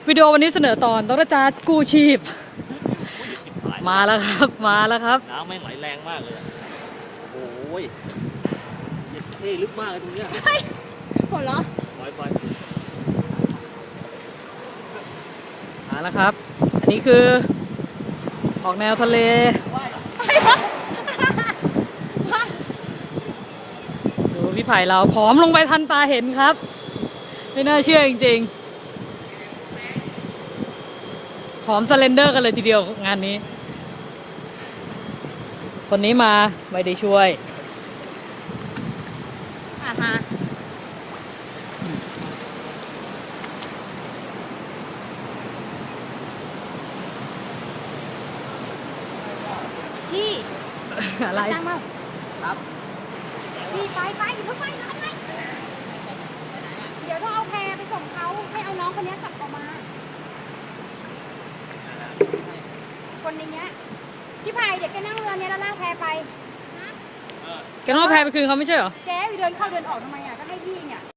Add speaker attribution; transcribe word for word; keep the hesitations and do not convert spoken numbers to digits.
Speaker 1: วิดีโอวันนี้เสนอตอนต้องจ้ากู้ชีพมาแล้วครับมาแล้วครับ
Speaker 2: น้ำแม่งไหลแรงมากเลยโอ้ยเย็ดเท่ลึกมากเลยตรงเนี้ย
Speaker 3: เฮ้ยหัวเราะ
Speaker 2: ปล่อยไป
Speaker 1: มาแล้วครับอันนี้คือออกแนวทะเลดูพี่ไผ่เราผอมลงไปทันตาเห็นครับไม่น่าเชื่อจริงๆผอมสเลนเดอร์กันเลยทีเดียวงานนี้คนนี้มาไม่ได้ช่วย
Speaker 3: อ่าฮะพี่
Speaker 1: อะไร
Speaker 3: ตั้งมา
Speaker 1: ครับ
Speaker 3: พี่ไปไปอย่าเพิ่งไปนะไปเดี๋ยวต้องเอาแพรไปส่งเขาให้เอาน้องคนนี้กลับออกมาคนในเนี้ยพี่ไผ่เดี๋ยวแกนั่งเรือเนี้ยแล้วลากแพไป
Speaker 1: แกต้องเอาแพรไปคืนเขาไม่ใช่เหรอ
Speaker 3: แกเดินเข้าเดินออกทำไมอ่ะก็ให้พี่เนี่ย